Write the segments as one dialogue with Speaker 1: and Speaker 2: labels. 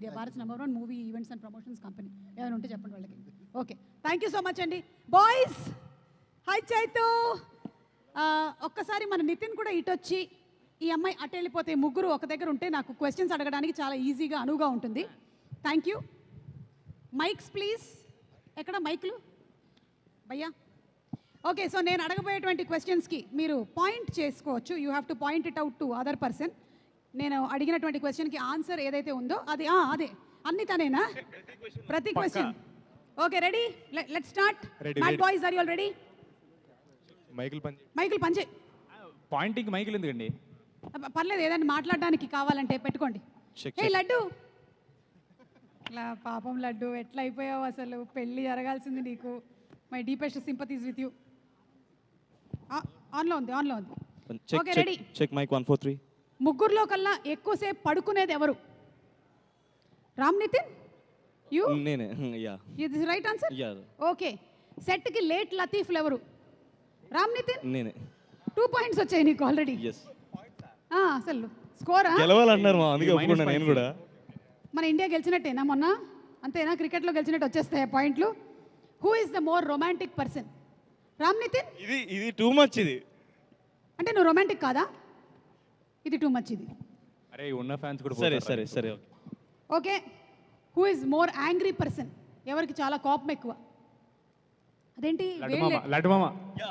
Speaker 1: Media, Bharat #1 movie events and promotions company. ఏమైనా ఉంటే చెప్పండి వాళ్ళకి. Okay, thank you so much అండి. Boys, hi Chaitu. ఒక్కసారి మన నితిన్ కూడా ఇటొచ్చి, ఈ అమ్మాయి అటు వెళ్ళిపోతే ముగ్గురు ఒక దగ్గర ఉంటే నాకు క్వశ్చన్స్ అడగడానికి చాలా ఈజీగా అనువుగా ఉంటుంది. Thank you. Mics please. ఎక్కడ మైక్లు భయ్యా? ఓకే, సో నేను అడగబోయేటువంటి క్వశ్చన్స్కి మీరు పాయింట్ చేసుకోవచ్చు. You have to point it out to other person. నేను అడిగినటువంటి క్వశ్చన్కి ఆన్సర్ ఏదైతే ఉందో అది అదే అన్ని తనేనా? ప్రతి question. Okay, ready? Let's start. Mad boys, are you all ready? మైకిల్ పంచే.
Speaker 2: పాయింటింగ్ మైకిల్ ఎందుకండి?
Speaker 1: పర్లేదు, ఏదైనా మాట్లాడడానికి కావాలంటే పెట్టుకోండి. ఏ లడ్డు, ఇలా పాపం లడ్డు ఎట్లా అయిపోయావు అసలు? పెళ్ళి జరగాల్సింది నీకు. My deepest sympathies with you. ఆన్లో ఉంది, ఆన్లో ఉంది. Okay, ready?
Speaker 3: Check mic 1 4 3.
Speaker 1: ముగ్గురులో కల్లా ఎక్కువసేపు పడుకునేది ఎవరు? రామ్ నితిన్, యూ?
Speaker 3: నేనే. యా,
Speaker 1: ఇది రైట్ ఆన్సర్.
Speaker 3: యా.
Speaker 1: ఓకే, సెట్కి లేట్ లతీఫ్లు ఎవరు? రామ్ నితిన్.
Speaker 3: నేనే.
Speaker 1: 2 పాయింట్స్ వచ్చాయి నీకు ఆల్రెడీ.
Speaker 3: yes.
Speaker 1: అసలు స్కోరా?
Speaker 3: గెలవాలన్నారు మా, అందుకే ఒప్పుకున్నా నేను కూడా.
Speaker 1: మన ఇండియా గెలిచినట్టేనా మొన్న? అంతేనా? క్రికెట్లో గెలిచినట్టు వచ్చేస్తాయి పాయింట్లు. Who is the more romantic person? Ram Nitin.
Speaker 3: ఇది టూ మచ్. ఇది
Speaker 1: అంటే నువ్వు రొమాంటిక్ కాదా? ఇది టూ మచ్. ఇది
Speaker 2: అరే ఉన్న ఫ్యాన్స్ కూడా
Speaker 3: సరే సరే సరే.
Speaker 1: Okay, who is more angry person? ఎవరికి చాలా కోపం ఎక్కువ? అదేంటి
Speaker 2: లడ్డు మామ.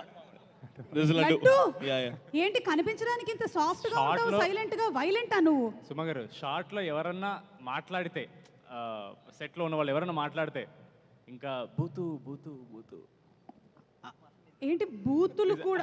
Speaker 1: లడ్డు ఏంటి కనిపించడానికి ఇంత సాఫ్ట్ గా ఉంటావు, సైలెంట్ గా? వైలెంటా నువ్వు?
Speaker 2: సుమ గారు, షార్ట్ లో ఎవరన్నా మాట్లాడితే, సెట్ లో ఉన్న వాళ్ళు ఎవరన్నా మాట్లాడితే ఇంకా బూతు బూతు బూతు.
Speaker 1: ఏంటి బూతులు కూడా?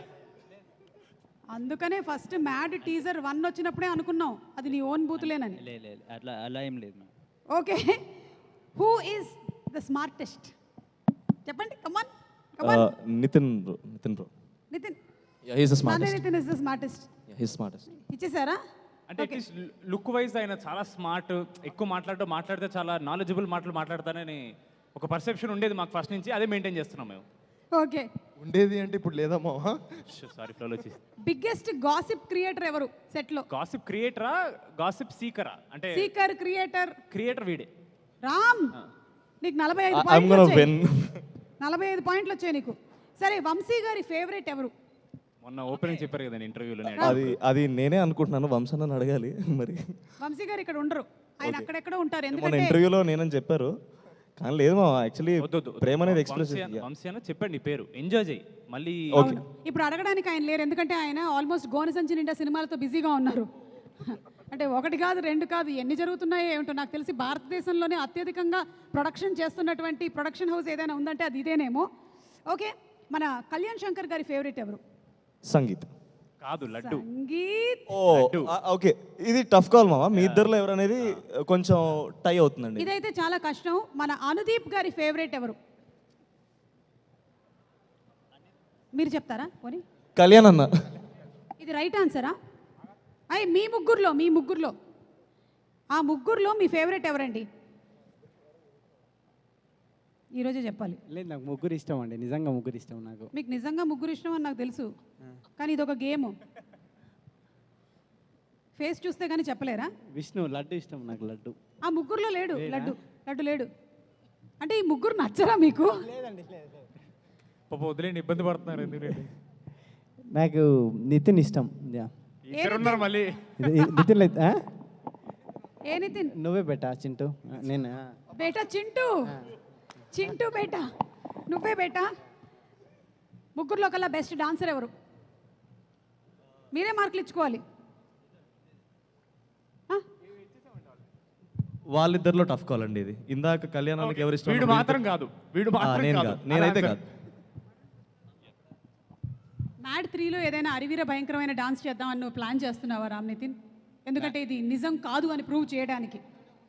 Speaker 1: అందుకనే ఫస్ట్ మ్యాడ్ టీజర్ 1 వచ్చినప్పుడే అనుకున్నాం అది నీ ఓన్ బూతులేనని.
Speaker 4: అట్లా అలా ఏం లేదు.
Speaker 1: Okay, who is the smartest? చెప్పండి, come on come on.
Speaker 3: Nitin bro.
Speaker 1: Nitin.
Speaker 3: yeah, he is the smartest.
Speaker 1: Nitin is the smartest.
Speaker 3: yeah, he is smartest.
Speaker 1: ఇచ్చేసారా?
Speaker 2: అంటే అట్లీస్ట్ లుక్ వైజ్ ఆయన చాలా స్మార్ట్, ఎక్కువ మాట్లాడితే చాలా నాలెడ్జబుల్ మాటలు మాట్లాడతానని ఒక పర్సెప్షన్ ఉండేది మాకు ఫస్ట్ నుంచి. అదే మెయింటైన్ చేస్తున్నాం మేము.
Speaker 1: ఓకే,
Speaker 5: ఉండేది అంటే ఇప్పుడు లేదమ్మా.
Speaker 2: సారీ, ఫ్లోలో వచ్చి.
Speaker 1: బిగ్గెస్ట్ గాసిప్ క్రియేటర్ ఎవరు సెట్ లో?
Speaker 2: గాసిప్ క్రియేటరా, గాసిప్ సీకరా? అంటే
Speaker 1: సీకర్, క్రియేటర్
Speaker 2: వీడే.
Speaker 1: రామ్, నీకు 45
Speaker 3: I'm
Speaker 1: పాయింట్లు
Speaker 3: gonna
Speaker 1: వచ్చాయి.
Speaker 3: win.
Speaker 1: 45 పాయింట్లు వచ్చాయి నీకు. సరే, వంశీ గారి ఫేవరెట్ ఎవరు?
Speaker 2: మొన్న ఓపెనింగ్ చెప్పారు కదా ఇంటర్వ్యూలో.
Speaker 3: అది నేనే అనుకుంటున్నాను, వంశన్న అడగాలి మరి.
Speaker 1: వంశీ గారు ఇక్కడ ఉండరు, ఆయన అక్కడెక్కడో ఉంటారు.
Speaker 3: మన
Speaker 1: ఎందుకంటే
Speaker 3: ఇంటర్వ్యూలో నేనని చెప్పారు, కానీ లేదు మా, యాక్చువల్లీ ప్రేమ అనేది ఎక్స్ప్రెస్.
Speaker 2: వంశీ అని చెప్పండి పేరు, ఎంజాయ్ చేయి మళ్ళీ.
Speaker 1: అవును, ఇప్పుడు అడగడానికి ఆయన లేరు, ఎందుకంటే ఆయన ఆల్మోస్ట్ గోనసంచి నిండా సినిమాలతో బిజీగా ఉన్నారు. అంటే 1 కాదు 2 కాదు, ఎన్ని జరుగుతున్నాయో ఏమిటో. నాకు తెలిసి భారతదేశంలోనే అత్యధికంగా ప్రొడక్షన్ చేస్తున్నటువంటి ప్రొడక్షన్ హౌస్ ఏదైనా ఉందంటే అది ఇదేనేమో. ఓకే, మన కళ్యాణ్ శంకర్ గారి ఫేవరెట్ ఎవరు?
Speaker 3: సంగీత్.
Speaker 2: కాదు, లడ్డు.
Speaker 1: సంగీత్.
Speaker 3: ఓకే, ఇది టఫ్ కాల్ మామ. మీ ఇద్దరులో ఎవరనేది కొంచెం టై అవుతుందండి.
Speaker 1: ఇదైతే చాలా కష్టం. మన అనుదీప్ గారి ఫేవరెట్ ఎవరు? మీరు చెప్తారా పోనీ?
Speaker 3: కళ్యాణ్ అన్న.
Speaker 1: ఇది రైట్ ఆన్సరా? మీ ముగ్గురులో ఆ ముగ్గురులో మీ ఫేవరెట్ ఎవరండి? ఈరోజే చెప్పాలి.
Speaker 4: లేదు, నాకు ముగ్గురు ఇష్టం అండి. నిజంగా ముగ్గురు ఇష్టం నాకు.
Speaker 1: మీకు నిజంగా ముగ్గురు ఇష్టం అని నాకు తెలుసు, కానీ ఇదొక గేమ్. ఫేస్ చూస్తే కానీ చెప్పలేరా?
Speaker 4: విష్ణు, లడ్డు ఇష్టం నాకు. లడ్డు
Speaker 1: ఆ ముగ్గురులో లేడు. లడ్డు లేడు. అంటే ఈ ముగ్గురు నచ్చరా మీకు?
Speaker 2: పాప వదిలేండి, ఇబ్బంది పడుతున్నారు. ఎందుకంటే
Speaker 4: నాకు నితిన్ ఇష్టం.
Speaker 2: ఉన్నారు మళ్ళీ.
Speaker 4: నితిన్ లేదు.
Speaker 1: ఏ నితిన్?
Speaker 4: నువ్వే బేటా చింటూ. నేను
Speaker 1: బేటా చింటూ బేటా, నువ్వే బేటా. ముగ్గురులో కల్లా బెస్ట్ డాన్సర్ ఎవరు? మీరే మార్కులు ఇచ్చుకోవాలి.
Speaker 3: వాళ్ళిద్దరిలో టఫ్ కాల్ అండి ఇది. ఇందాక కళ్యాణానికి ఎవరు ఇష్టం?
Speaker 2: వీడు మాత్రం కాదు.
Speaker 3: నేనైతే కాదు.
Speaker 1: మ్యాడ్ 3లో ఏదైనా అరివీర భయంకరమైన డాన్స్ చేద్దామని నువ్వు ప్లాన్ చేస్తున్నావా రామ్ నితిన్? ఎందుకంటే ఇది నిజం కాదు అని ప్రూవ్ చేయడానికి.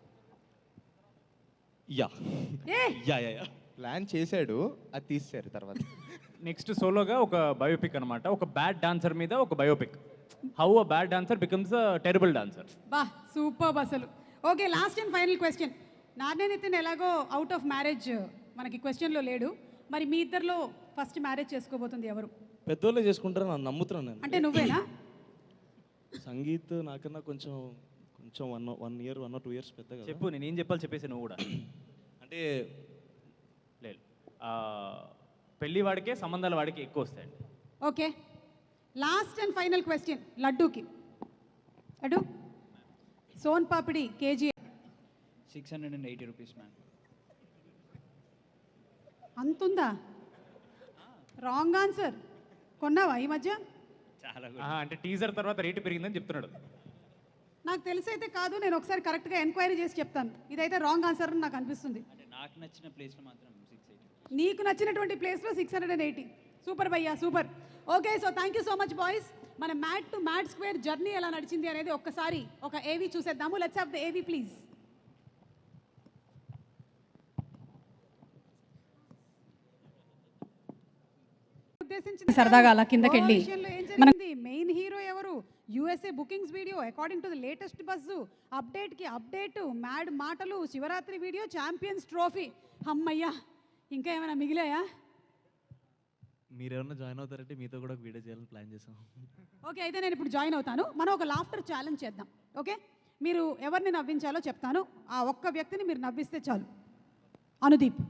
Speaker 5: ప్లాన్ చేశాడు, అది తీసేశారు తర్వాత.
Speaker 2: నెక్స్ట్ సోలోగా ఒక బయోపిక్ అనమాట. ఒక బ్యాడ్ డాన్సర్ మీద ఒక biopic. How a bad dancer becomes a terrible dancer.
Speaker 1: బా, సూపర్ అసలు. Okay, last and final question. నాన్నే నితిన్ ఎలాగో అవుట్ ఆఫ్ మ్యారేజ్ మనకి క్వశ్చన్లో లేడు. మరి మీ ఇద్దరిలో ఫస్ట్ మ్యారేజ్ చేసుకోబోతుంది ఎవరు?
Speaker 3: పెద్దోళ్ళే చేసుకుంటారని నన్ను నమ్ముతున్నాను నేను.
Speaker 1: అంటే నువ్వేనా?
Speaker 3: సంగీత్ నాకన్నా కొంచెం కొంచెం 1 year 1 or 2 years పెద్ద కదా.
Speaker 2: చెప్పు, నేను ఏం చెప్పాలి చెప్పేసి నువ్వు కూడా.
Speaker 3: అంటే
Speaker 2: లేదు, పెళ్లి వాడికే సంబంధాల వాడికి ఎక్కువ వస్తాయండి.
Speaker 1: Okay, last and final question లడ్డూకి. Laddu, soan papdi KG
Speaker 6: 680 rupees, ma'am.
Speaker 1: అంతుందా? Wrong answer. కొన్నావా ఈ మధ్య?
Speaker 2: అంటే టీజర్ తర్వాత రేటు పెరిగిందని చెప్తున్నాడు.
Speaker 1: నాకు తెలిసైతే కాదు, నేను ఒకసారి కరెక్ట్గా ఎంక్వైరీ చేసి చెప్తాను. ఇదైతే రాంగ్ ఆన్సర్ అని నాకు అనిపిస్తుంది.
Speaker 6: అంటే నాకు నచ్చిన ప్లేస్లో మాత్రం 680.
Speaker 1: నీకు నచ్చినటువంటి ప్లేస్లో 680. సూపర్ భయ్యా, super. Okay, so thank you so much boys. మన mad to mad square journey ఎలా నడిచింది అనేది ఒక్కసారి ఒక ఏవీ చూసేద్దాము. Let's have the AV please. సరదాగా అలా కిందకెళ్ళి మనకి మెయిన్ హీరో ఎవరు, USA bookings video, according to the latest buzz, అప్డేట్కి అప్డేట్, మ్యాడ్ మాటలు, శివరాత్రి వీడియో, ఛాంపియన్స్ ట్రోఫీ. అమ్మయ్యా, ఇంకా ఏమైనా మిగిలాయా?
Speaker 3: మీరు ఎవరైనా జాయిన్ అవుతారంటే మీతో కూడా ఒక వీడియో చేయాలని ప్లాన్ చేసాం.
Speaker 1: ఓకే, అయితే నేను ఇప్పుడు జాయిన్ అవుతాను. మనం ఒక లాఫ్టర్ ఛాలెంజ్ చేద్దాం. ఓకే, మీరు ఎవరిని నవ్వించాలో చెప్తాను. ఆ ఒక్క వ్యక్తిని మీరు నవ్విస్తే చాలు. అనుదీప్.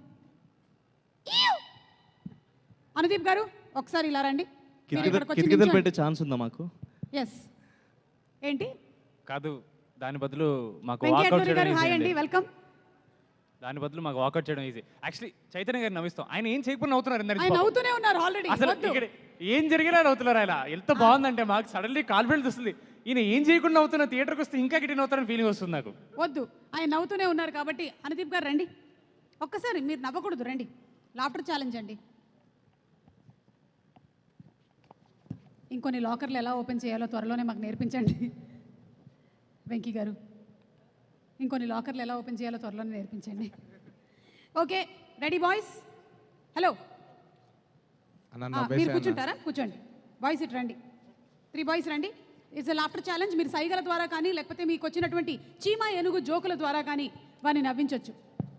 Speaker 1: అనుదీప్ గారు ఒకసారి ఇలా రండి.
Speaker 3: కిటికీలు పెట్టే ఛాన్స్ ఉందా మాకు?
Speaker 1: ఎస్. ఏంటి?
Speaker 2: కాదు, దాని బదులు మాకు
Speaker 1: వెంకయ్య
Speaker 2: వాకౌట్
Speaker 1: గారు
Speaker 2: చేయడం
Speaker 1: హాయ్
Speaker 2: easy
Speaker 1: అండి,
Speaker 2: అండి.
Speaker 1: వెల్కమ్.
Speaker 2: దాని బదులు మాకు వాకౌట్ చేయడం ఈజీ. యాక్చువల్లీ చైతన్య గారిని నవ్విస్తాం, ఆయన ఏం చేయకుండా నవ్వుతున్నారు ఇందాక
Speaker 1: ఆయన
Speaker 2: పాపం.
Speaker 1: నవ్వుతూనే ఉన్నారు ఆల్రెడీ.
Speaker 2: అసలు ఇక్కడ ఏం జరిగినా నవ్వుతున్నారు ఆయన. ఎంత బాగుందంటే మాకు సడన్లీ కాన్ఫిడెన్స్ వస్తుంది. ఈయన ఏం చేయకుండా నవ్వుతున్న థియేటర్కి వస్తే ఇంకా గిట్టి నవ్వుతారని ఫీలింగ్ వస్తుంది నాకు.
Speaker 1: వద్దు, ఆయన నవ్వుతూనే ఉన్నారు కాబట్టి. అనుదీప్ గారు రండి ఒక్కసారి. మీరు నవ్వకూడదు, రండి. లాఫ్టర్ ఛాలెంజ్ అండి. ఇంకొన్ని లాకర్లు ఎలా ఓపెన్ చేయాలో త్వరలోనే మాకు నేర్పించండి వెంకీ గారు. ఇంకొన్ని లాకర్లు ఎలా ఓపెన్ చేయాలో త్వరలోనే నేర్పించండి. Okay, ready boys? హలో, మీరు కూర్చుంటారా? కూర్చోండి. బాయ్స్ ఇటు రండి. 3 బాయ్స్ రండి. It's laughter challenge. మీరు సైగల ద్వారా కానీ లేకపోతే మీకు వచ్చినటువంటి చీమ ఏనుగు జోకుల ద్వారా కానీ వాడిని నవ్వించవచ్చు.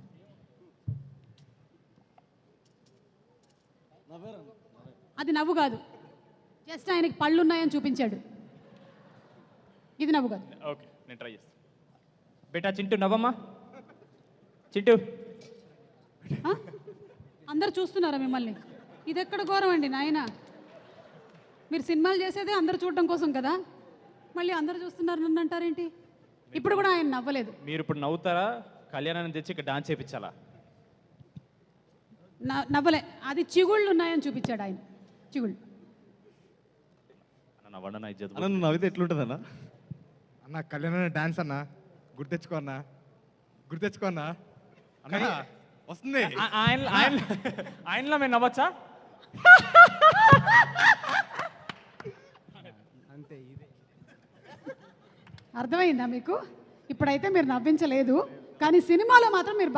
Speaker 1: అది నవ్వు కాదు, జస్ట్ ఆయనకి పళ్ళు ఉన్నాయని చూపించాడు. ఇది నవ్వు కాదు.
Speaker 2: ఓకే, నేను ట్రై చేస్తాను. బేటా చింటూ నవ్వమ్మా. చింటూ,
Speaker 1: ఆ? అందరు చూస్తున్నారా మిమ్మల్ని? ఇది ఎక్కడ ఘోరం అండి నాయన. మీరు సినిమాలు చేసేదే అందరు చూడడం కోసం కదా, మళ్ళీ అందరు చూస్తున్నారు నన్ను అంటారేంటి? ఇప్పుడు కూడా ఆయన నవ్వలేదు.
Speaker 2: మీరు ఇప్పుడు నవ్వుతారా? కళ్యాణాన్ని తెచ్చి ఇక్కడ డాన్స్ చేయించాలా?
Speaker 1: నవ్వలే, అది చిగుళ్ళు ఉన్నాయని చూపించాడు ఆయన. చిగుళ్ళు.
Speaker 2: నవ్వండి నా ఇజ్జత్.
Speaker 3: అన్న నువ్వు నవ్వితే ఎట్లుంటుంది అన్న?
Speaker 5: అన్న కళ్యాణ డాన్స్ అన్న, గుర్తెచ్చుకో అన్న, గుర్తెచ్చుకో అన్న. అన్న వస్తుంది.
Speaker 2: ఆయనలో మేము నవ్వచ్చా?
Speaker 1: అర్థమైందా మీకు? ఇప్పుడైతే మీరు నవ్వించలేదు, కానీ సినిమాలో మాత్రం మీరు